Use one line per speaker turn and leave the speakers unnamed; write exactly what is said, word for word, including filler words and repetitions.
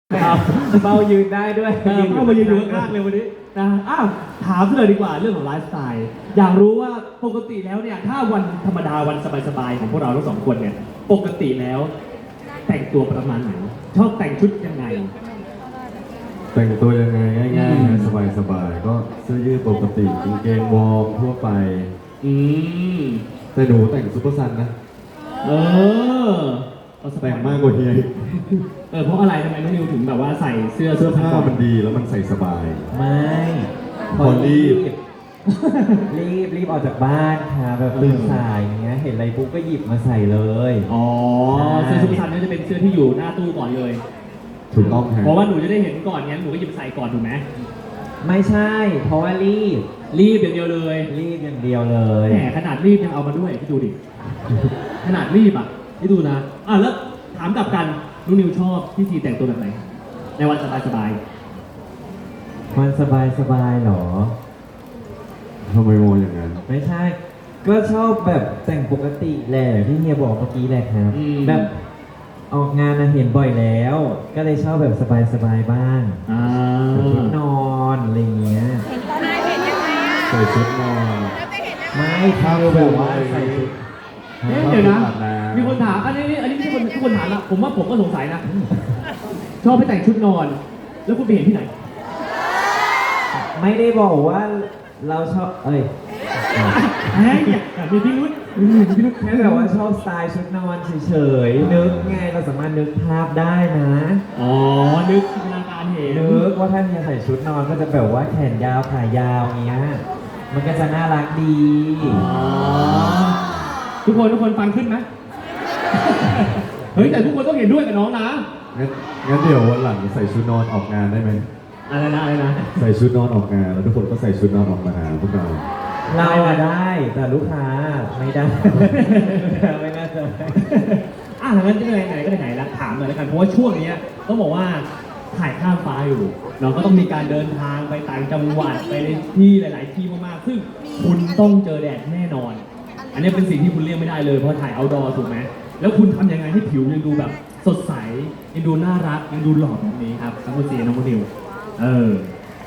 ครับเบายืนได้ด้วย
เออเข้ามายืนอยู่ข้างๆเลยวันนี้นะอ้าวถามเลยดีกว่าเรื่องของไลฟ์สไตล์อยากรู้ว่าปกติแล้วเนี่ยถ้าวันธรรมดาวันสบายๆของพวกเราทั้งสองคนเนี่ยปกติแล้วแต่งตัวประมาณไหนชอบแต่งชุดยังไง
แต่งตัวยังไงง่าย
อืม
ๆนะสบายๆก็เสื้อยืดปกติกางเกงวอร์มทั่วไป
อืม
แต่หนูแต่งซุปเปอร์ซันนะ
เออเอาสบาย
แต่งมากกว่าเฮียอีก
เออเพราะอะไรทำไมน้องนิวถึงแบบว่าใส่เสื้อเสื้อผ้า
ผ้ามันดีแล้วมันใส่สบาย
ไม่
พอรีบ
รีบรีบออกจากบ้านค่ะแบบตื่นสายอย่างเงี้ยเห็นอะไรปุ๊บก็หยิบมาใส่เลย
อ๋อเสื้อชุดซันนี่จะเป็นเสื้อที่อยู่หน้าตู้ก่อนเลย
ถูกต้องฮะ
เพราะว่าหนูจะได้เห็นก่อนงั้นหนูก็หยิบใส่ก่อนถูกไหม
ไม่ใช่ เพราะว่ารีบ
รีบอย่างเดียวเลย
รีบอย่างเดียวเลย
แหมขนาดรีบยังเอามาด้วยพี่ดูดิ ขนาดรีบอ่ะพี่ดูนะอ่ะแล้วถามกลับกันนุนิวชอบพี่ทีแต่งตัวแบบไหน ในวันสบาย
มันสบายสบายๆหรอ
ทำไมโมอย่างนั้น
ไม่ใช่ ก็ชอบแบบแต่งปกติแหละที่เฮียบอกเมื่อกี้แหละครับ
อืม
แบบออกงานนะเห็นบ่อยแล้ว ก็เลยชอบแบบสบายๆบ้าง
ๆอ่า
ชุดนอนอะไรเงี้ย
ใส่ชุดนอน
ไม่คือแบบว่าใส่ชุด
เอ๊ะเดี๋ยวนะ
อาบน้ำ
มีคนถามอันนี้อันนี้ไม่ใช่คนทุกคนถามละผมว่าผมก็สงสัยนะ ชอบไปแต่งชุดนอน แล้วคุณไปเห็นที่ไหน
ไม่ได้บอกว่าเราชอบเอ้ย
แหมเนี่ยมีพิรุษมีพิรุษ
แค่แบบว่าชอบสไตล์ชุดนอนเฉยๆนึกไงเราสามารถนึกภาพได้นะ
อ๋อ นึกจินตนาการเห็น
นึกว่าถ้าเฮียใส่ชุดนอนก็จะแบบว่าแขนยาวขายาวอย่างเงี้ยมันก็จะน่ารักดี
อ๋อ ทุกคนทุกคนฟังขึ้นไหม เฮ้ยแต่ทุกคนต้องเห็นด้วยกับน้องนะ
งั้นงั้นเดี๋ยววันหลังใส่ชุดนอนออกงานได้ไหม
อะไรนะอะไรนะ
ใส่ชุดนอนออกงานแล้วทุกคนก็ใส่ชุดนอนออกมาหาพวกเรา
เราอะได้แต่ลูกค้าไม่ได้ ไม่น่าจะ
อ่ะงั้นจะไหนไหนก็ไหนๆแล้วถามเลยแล้วกันเพราะว่าช่วงเนี้ยต้องบอกว่าถ่ายข้ามฟ้าอยู่เราก็ต้องมีการเดินทางไปต่างจังหวัดไปในที่หลาย ๆ ที่มากๆซึ่งคุณต้องเจอแดดแน่นอน อันนี้เป็นสิ่งที่คุณเลี่ยงไม่ได้เลยเพราะถ่ายเอาท์ดอร์ถูกไหมแล้วคุณทำยังไงให้ผิวยังดูแบบสดใสยังดูน่ารักยังดูหล่อแบบนี้ครับทั้งคุณเสียน้องคุณนิวเออ